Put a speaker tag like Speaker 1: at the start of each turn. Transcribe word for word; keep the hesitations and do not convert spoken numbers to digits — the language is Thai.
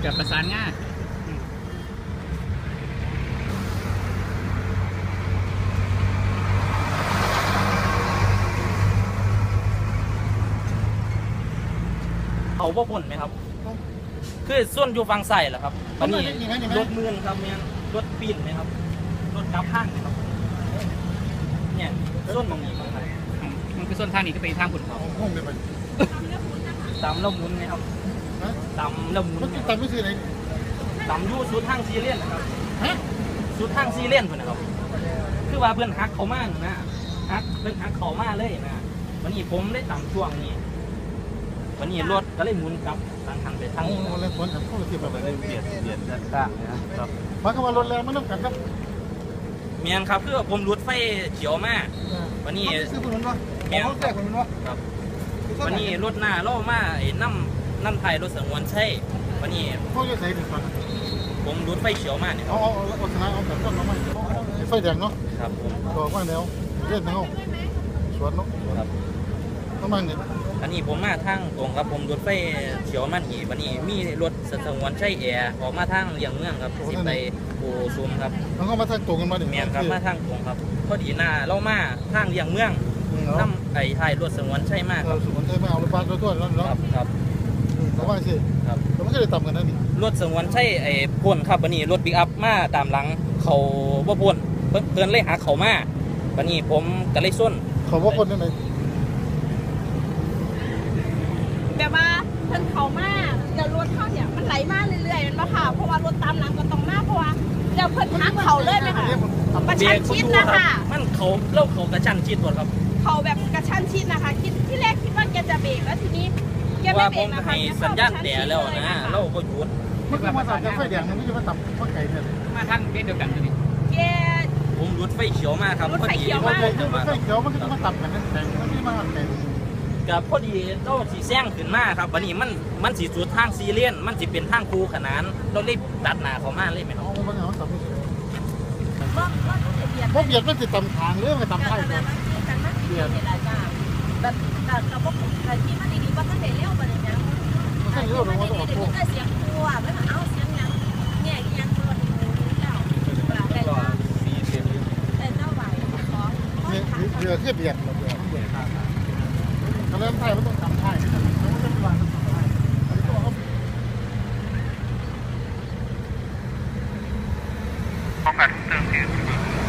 Speaker 1: กับประสานงาน
Speaker 2: เขาบ่พ้นไหมครับคือส่วนอยู่ฝั่งใส่เหรอครับตอนนี้รถมือนครับเนี่ยรถปีนไหมครับรถกลับห้างไหมครับเนี่ยส่วนตรงนี้ครับ
Speaker 1: มันคือส่วนทางนี้ก็เป็นทางผุนเขา
Speaker 3: ห้องเดียวกัน
Speaker 2: ตำละมุนไหมครับตำละมุน
Speaker 3: ตำไม่ใช่ไหน
Speaker 2: ตำยูสูตรทางซีเรียนนะครับสูตรทางซีเรียนเพื่อนนะครับคือว่าเพื่อนฮักเขามากนะฮักเพื่อนฮักเขามากเลยนะวันนี้ผมได้ตำช่วงนี้วันนี้รถก็เลยหมุนกลับทางทางไปทางนี้
Speaker 3: แล้วฝนทำเข้าที่แบบไหน
Speaker 2: เบียดเบียดด้านข้างนะครับ
Speaker 3: หมายความว่ารถแรงมันต้องกันครับ
Speaker 2: เมียนครับคือผมรถไฟเขียวมากวันนี้
Speaker 3: ซื้อคนนั้นวะ
Speaker 2: เมียน
Speaker 3: เขาแจกคนนั้นวะ
Speaker 2: ครับวันนี้รถหน้าล่อมาไอ้น้ำน้ำไทยรถสงวนใช่วันนี้
Speaker 3: เขาจะใส่ถึงฟัน
Speaker 2: ผมรถไฟเขียวมากเนี่ย
Speaker 3: เอาเอาเอาชนะเอาแบบต้นน้ำมันไฟแดงเนาะ
Speaker 2: ครับผม
Speaker 3: บอกว่าแล้วเล่นทั้งห้องสวนเนาะ
Speaker 2: ครับ
Speaker 3: น้ำมันเนี่ย
Speaker 2: อันนี้ผมมาทางตรงครับผมรถไฟเขียวมันหีวันนี้มีรถสงวนใช่แอร์ออกมาทางเลียงเมืองครับสิไปโอซุมครับ
Speaker 3: มันก็มาทางตรงกันมาดิ
Speaker 2: เมียนครับมาทางตรงครับพอดีหน้าเล่ามาทางเลียงเมืองน้ำไอ้ไทยรถสงวนใช่มาก
Speaker 3: ครับสงวนใช่มากเอารถบัสรถตู้แล้วเนาะ
Speaker 2: ครับครับ
Speaker 3: เขาว่าสิ
Speaker 2: ครับ
Speaker 3: แต่ไม่ได้ต่ำกันนั่นนี่
Speaker 2: รถสงวนใช่ไอ้พ่นครับวันนี้รถปิกอัพมาตามหลังเขาบ่พ่นเพิ่นเลยหาเขามาวันนี้ผมก็เลยส้น
Speaker 3: เขาว่าคนนั่นไหน
Speaker 4: แบบว่าเพิ่นเขามากเดี๋ยวรถเข้าเนี่ยมันไหลมาเรื่อยๆมันบ่ค่ะเพราะว่ารถตามหลังก็ต้องมาเพราะว่าเดี๋ยวเพิ่นทักเขาเลยไหมคะกระชั้นชิดนะคะ
Speaker 2: มันเขาเล่าเขากระชั้นชิดหมดครับ
Speaker 4: เขาแบบกระชั้นชิดนะคะคิดที่แรกคิดว่าแกจะเบรกแล้วทีนี้แกไม่เบรกนะคะ
Speaker 2: สัญญาณแต่แล้วนะเราก็หยุด
Speaker 3: มันก็มาตัดไฟแดงมันไม่ใช่มาตัดไฟไก่เนี่ย
Speaker 1: มาทางเดียวกันนี่
Speaker 4: แก
Speaker 2: ผมรถไฟเขียวมากครับ
Speaker 4: รถไฟเขียวมาก
Speaker 3: รถไฟเขียวมันก็มาตัดกันนั่นแต่มันไม่มาไก่
Speaker 2: กับพอดีเราสีแซงขึ้นมาครับวันนี้มันมันสีสุดทางซีเรียนมันสิเป็นทางคูขนานเราเลยตัดหนาเขามาเลยไหมครับ
Speaker 3: มันเอาตัดไม่ใช่
Speaker 4: เพราะ
Speaker 3: เบียดมันติดตำทางหรือมันตำไทยกัน
Speaker 4: เบียดแบบแบบเราบอกแต่ที่มันดีๆว่าก็เห็นเลี้ยวไปเลยนะ
Speaker 3: มันเลี้ยวลงมาตรงนี้
Speaker 4: ก็เสียงกลัวไม่มาเอาเสียงยังแง่ยังตัวดีแล้วแต่เจ้าแต่เจ้าไหวของ
Speaker 3: เรือเทียบเบียดเราเบียดเบียดทางถ้าเริ่มไทยมันต้องตำไทยมันต้องวางตำไทยอันนี้ตัวเขา
Speaker 5: พอกัดเติมที